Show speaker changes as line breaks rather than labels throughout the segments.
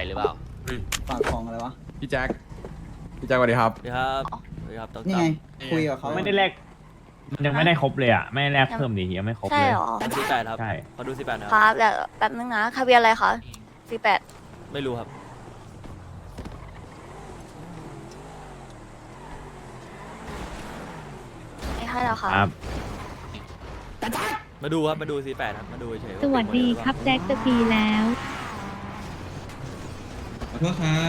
หรือเปล่า
ฝากของอะไรวะ
พี่แจ็คสวัสดีครับ
สวัสดีครับสวัสดีครับต๊อก
นี่ไง คุยกับเขา
ไม่ได้แลกมันยังไม่ได้ครบเลยอ่ะ ไม่ได้แลกเพิ่มดิยังไม่ครบ
ใช่
เลย
เหรอ
ดูสิบแปดครับ
ใช่
ขอดู18นะ
ค
ครับ
รับแต่แป๊บนึงนะทะเบียนอะไรคะ48
ไม่รู้ครับ
ไม่ให้แล้วค่ะ
ครับ
มาดูครับมาดู18ครับมาดูเฉยๆ
สวัสดีครับแจ็คจะปีแล้ว
ขอโทษครับ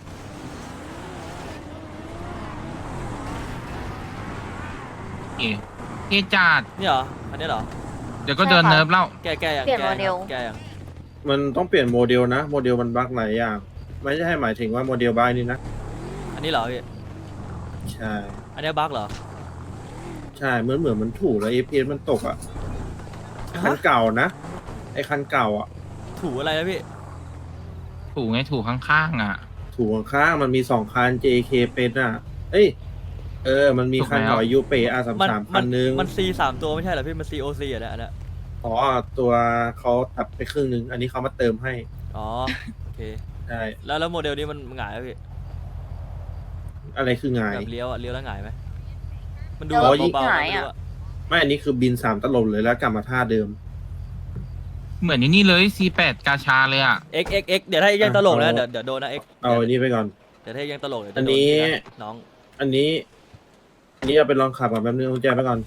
เกจัด
นี่เหรออันนี้เหรอ
เดี๋ยวก็เดินเนิร์ฟแล้ว
แกยัง
เปลี่ยนโมเดล
แกยัง
มันต้องเปลี่ยนโมเดลนะ โมเดลมันบั๊กหลายอย่าง ไม่ใช่หมายถึงว่าโมเดลบ้านนี่นะ
อันนี้เหรอพี่
ใช่
อันนี้บั๊กเหรอ
ใช่เหมือนมันถูกแล้ว FPS มันตกอ่ะ คันเก่านะ ไอ้คันเก่าอ่ะ
ถูอะไรนะพี่
ถูไงถูข้างๆอ่ะ
ถูกข้างๆมันมี2คัน JK เป็นอ่ะ เอ้ย มันมีคัน
ถูกแล้ว
หน่อยยูเปอาสาม
มัน
สามคันนึง
มัน C 3ตัวไม่ใช่เหรอพี่มัน COC อ่ะเนี่ยอันเนี้ย
อ๋อ ตัวเขาตัดไปครึ่งนึง อันนี้เขามาเติมให้
อ๋อโอเค
ใช่
แล้วโมเดลนี้มันหงายไหมพี่
อะไรคือไง
แบบเลี้ยวอะเลี้ยวแล้วหงายไหมมันดู
แล้ว
แบบ
ยิ่ง
เบา
ห
ๆ
งาย
ไม่
อะ
รู้อะ
ไม่ อันนี้คือบิน3ตลบเลยแล้วกลับมาท่าเดิม
เหมือนนี่เลย C8 กาชาเลยอ่ะ
X เดี๋ยวถ้ายังตลกนะ
เอา
เดี๋ยวโดนนะ X
เอาอันนี้ไปก่อน
เดี๋ยวถ้ายังตลกเดี๋ยว
อั
จะ
น
โด
นี้
น้อง
อันนี้เอาไปลองขับก่อนแป๊บนึงกุญแจไปก่อน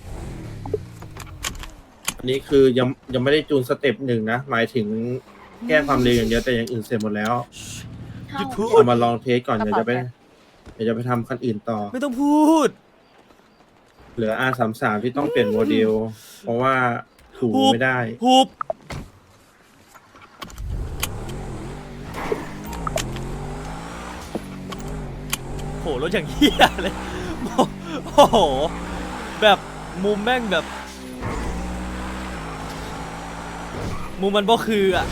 อันนี้คือยังไม่ได้จูนสเต็ป1นะ หมายถึงแก้ความเร็วอย่างเดียวแต่อย่างอื่นเสร็จหมดแล้ว
หยุดพูด
เอามาลองเทสก่อนเดี๋ยวจะไปทำคันอื่นต่อ
ไม่ต้องพูด
เหลือ R33 ที่ต้องเปลี่ยนโมเดล เพราะว่าถูไม่ได้
ฮูบโหรถอย่างเหี้ยเลยโอ้โหแบบมุมแม่งแบบ มุมมันบ่คืออ่ะ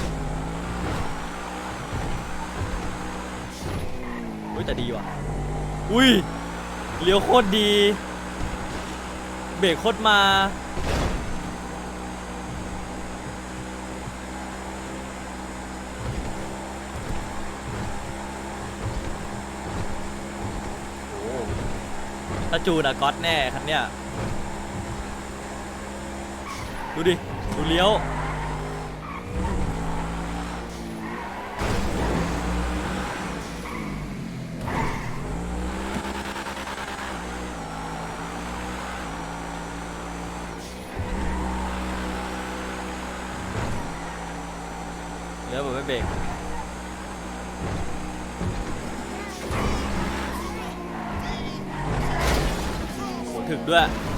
อุ้ยแต่ดีว่ะอุ้ยเลี้ยวโคตรดี เบรกโคตรมาโอ้ถ้าจูนอะก๊อตแน่คันเนี้ยดูดิ ดูเลี้ยวเลี้ยวแบบไม่เบรกโหถึกด้วย